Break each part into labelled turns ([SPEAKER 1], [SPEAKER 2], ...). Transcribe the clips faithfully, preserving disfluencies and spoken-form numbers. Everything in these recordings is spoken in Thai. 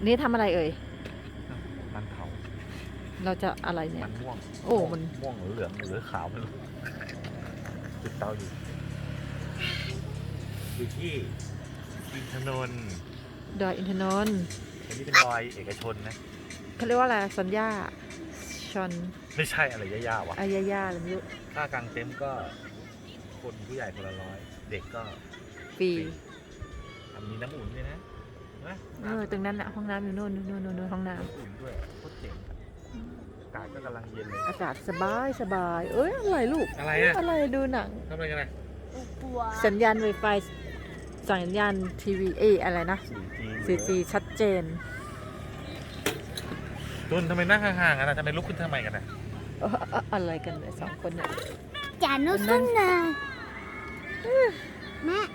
[SPEAKER 1] นี่ทำอะไรเอ่ย
[SPEAKER 2] มันเผา
[SPEAKER 1] เราจะอะไรเนี่ย
[SPEAKER 2] มันม่วง
[SPEAKER 1] โอ้มัน
[SPEAKER 2] ม่วงหรือเหลืองหรือขาวไม่รู้จุดเตาอยู่อยู่ที่อินทนนท์
[SPEAKER 1] ดอยอินทนนท์
[SPEAKER 2] อันนี้เป็นดอยเอกชนนะ
[SPEAKER 1] เขาเรียกว่าอะไรสัญญาชอน
[SPEAKER 2] ไม่ใช่อะไรยากๆว่ะ
[SPEAKER 1] อายาย่าอะไรไม่รู้
[SPEAKER 2] ค่ากางเต็นท์ก็คนผู้ใหญ่คนละร้อยเด็กก็
[SPEAKER 1] ฟรี
[SPEAKER 2] ทำมีน้ำอุ่นด้วยนะนะ
[SPEAKER 1] เออตรงนั้นอะห้องน้ำอยู่โน่นนู่นนู่นนู่นห้องน้ำ
[SPEAKER 2] อุ่นด้วยโคตรเจ๋งอากาศก็กำลังเย็นเลย
[SPEAKER 1] อากาศสบายสบายเอ้ยอะไรลูก
[SPEAKER 2] อะไรอะ
[SPEAKER 1] อะไรดูหนัง
[SPEAKER 2] ทำอะไรกันนะ
[SPEAKER 1] สัญญาณ Wi-Fi สัญญาณทีวีเออะไรนะ โฟร์จี ชัดเจน
[SPEAKER 2] ตุนทำไมนั่งห่างๆกันนะทำไมลุกขึ้นทำไมกันนะ
[SPEAKER 1] อะไรกันเนี่ยสองคนเนี่ย
[SPEAKER 3] จานุสุนนะแม่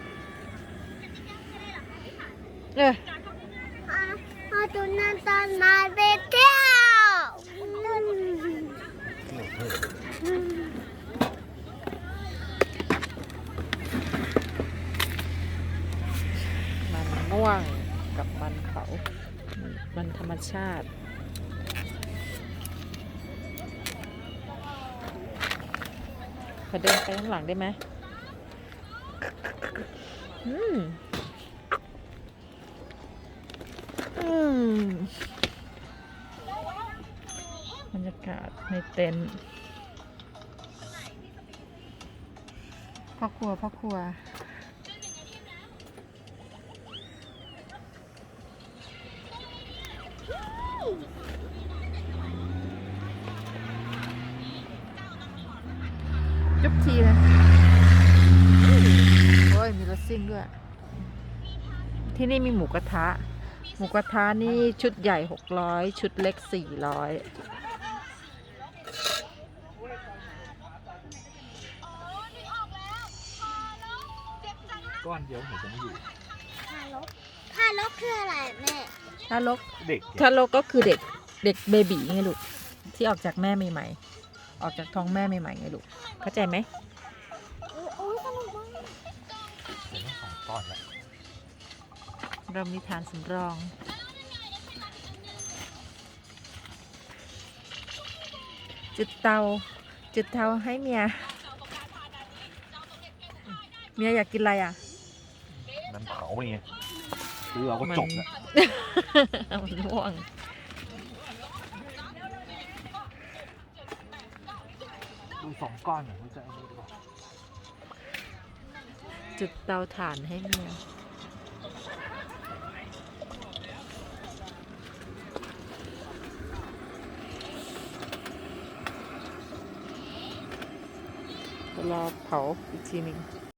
[SPEAKER 1] เออ
[SPEAKER 3] เอาตุนนันตอนมาไปเที่ยว
[SPEAKER 1] มันม่วงกับมันเขามันธรรมชาติขอเดินไปข้างหลังได้ไหมอืมอืมบรรยากาศในเต็นท์พ่อครัวพ่อครัวจุ๊บทีเลยโอ้ยมีรถซิ่งด้วยที่นี่มีหมูกระทะหมูกระทะนี่ชุดใหญ่หกร้อยชุดเล็กสี่ร้อย
[SPEAKER 2] ก้อนเดียวหนูจะไม่อยู่
[SPEAKER 3] ทารกทารกคืออะไรแม่
[SPEAKER 1] ทารก
[SPEAKER 2] เด็ก
[SPEAKER 1] ทารกก็คือเด็กเด็กเบบีไงลูกที่ออกจากแม่ใหม่ๆออกจากท้องแม่ใหม่ๆไงลูกเข้าใจไหม
[SPEAKER 3] โอ้ยสนุกมาก
[SPEAKER 2] เดี๋ยวต้องสองก้อนแล้ว
[SPEAKER 1] เรามีฐานสำรองจุดเตาจุดเตาให้เมียเมียอยากกินอะไรอ่ะ
[SPEAKER 2] มันเผาไปไงคือเราก็จบแล้ว
[SPEAKER 1] มันม่วง
[SPEAKER 2] ดูสองก้อนมันจะอันนี้ดีกว่า
[SPEAKER 1] จุดเตาถ่านให้เมียรอเผาอีกทีหนึ่ง